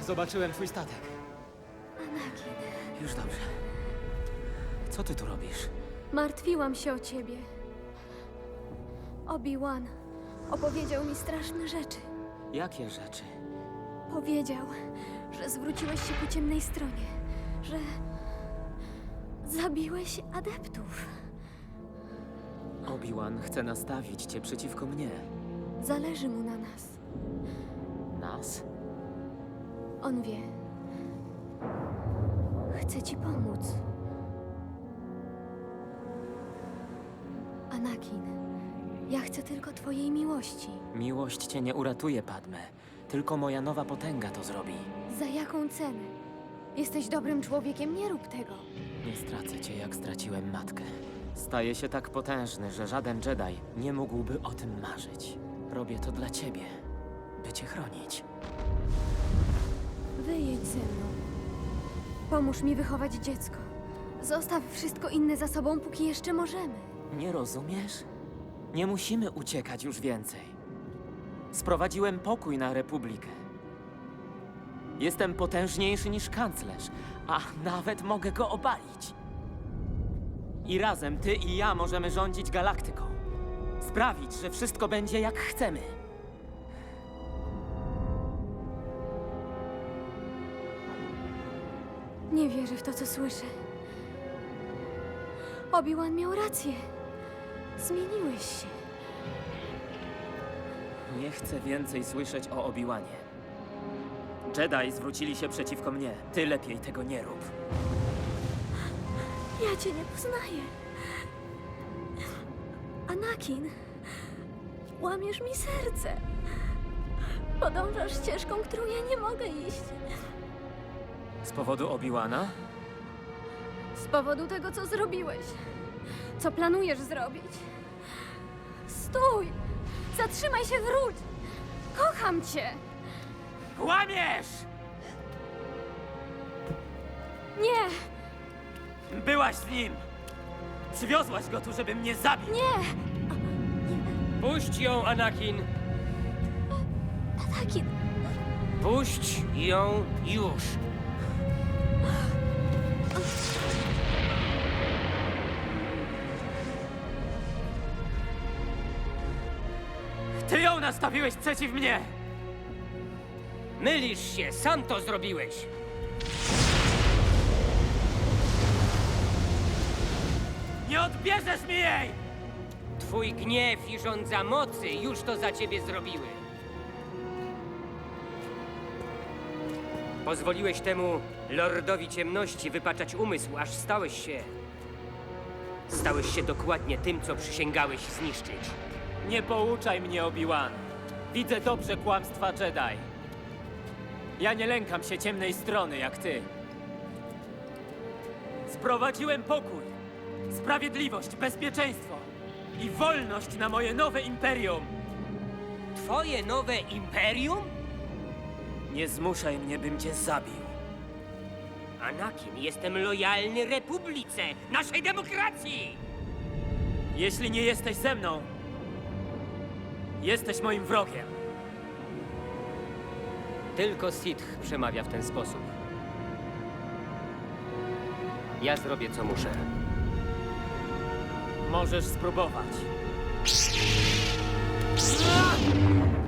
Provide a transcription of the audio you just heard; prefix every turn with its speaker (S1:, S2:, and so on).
S1: Zobaczyłem twój statek.
S2: Anakin,
S1: Już dobrze. Co ty tu robisz?
S2: martwiłam się o ciebie. Obi-Wan opowiedział mi straszne rzeczy.
S1: Jakie rzeczy?
S2: Powiedział, że zwróciłeś się ku ciemnej stronie, że zabiłeś adeptów.
S1: Obi-Wan chce nastawić cię przeciwko mnie.
S2: Zależy mu na nas.
S1: Nas?
S2: On wie. Chce ci pomóc. Anakin, ja chcę tylko twojej miłości.
S1: Miłość cię nie uratuje, Padme. Tylko moja nowa potęga to zrobi.
S2: Za jaką cenę? Jesteś dobrym człowiekiem, nie rób tego.
S1: Nie stracę cię, jak straciłem matkę. Staję się tak potężny, że żaden Jedi nie mógłby o tym marzyć. Robię to dla ciebie, by cię chronić.
S2: Wyjedź ze mną. Pomóż mi wychować dziecko. Zostaw wszystko inne za sobą, póki jeszcze możemy.
S1: Nie rozumiesz? Nie musimy uciekać już więcej. Sprowadziłem pokój na Republikę. Jestem potężniejszy niż kanclerz, a nawet mogę go obalić. I razem ty i ja możemy rządzić galaktyką. Sprawić, że wszystko będzie jak chcemy.
S2: Nie wierzę w to, co słyszę. Obi-Wan miał rację. Zmieniłeś się.
S1: Nie chcę więcej słyszeć o Obi-Wanie. Jedi zwrócili się przeciwko mnie. Ty lepiej tego nie rób.
S2: Ja cię nie poznaję. Anakin, łamiesz mi serce. Podążasz ścieżką, którą ja nie mogę iść.
S1: Z powodu Obi-Wana?
S2: Z powodu tego, co zrobiłeś. Co planujesz zrobić? Stój! Zatrzymaj się, wróć! Kocham cię!
S1: Kłamiesz!
S2: Nie!
S1: Byłaś z nim! Przywiozłaś go tu, żeby mnie zabić!
S2: Nie!
S3: Puść ją, Anakin!
S2: Anakin!
S3: Puść ją już!
S1: Ty ją nastawiłeś przeciw mnie!
S3: Mylisz się, sam to zrobiłeś!
S1: Nie odbierzesz mi jej!
S3: Twój gniew i żądza mocy już to za ciebie zrobiły. Pozwoliłeś temu Lordowi Ciemności wypaczać umysł, aż stałeś się dokładnie tym, co przysięgałeś zniszczyć.
S1: Nie pouczaj mnie, Obi-Wan. Widzę dobrze kłamstwa Jedi. Ja nie lękam się ciemnej strony, jak ty. Sprowadziłem pokój, sprawiedliwość, bezpieczeństwo i wolność na moje nowe imperium.
S3: Twoje nowe imperium?
S1: Nie zmuszaj mnie, bym cię zabił.
S3: Anakin, jestem lojalny Republice, naszej demokracji!
S1: Jeśli nie jesteś ze mną, jesteś moim wrogiem.
S3: Tylko Sith przemawia w ten sposób. Ja zrobię, co muszę.
S1: Możesz spróbować.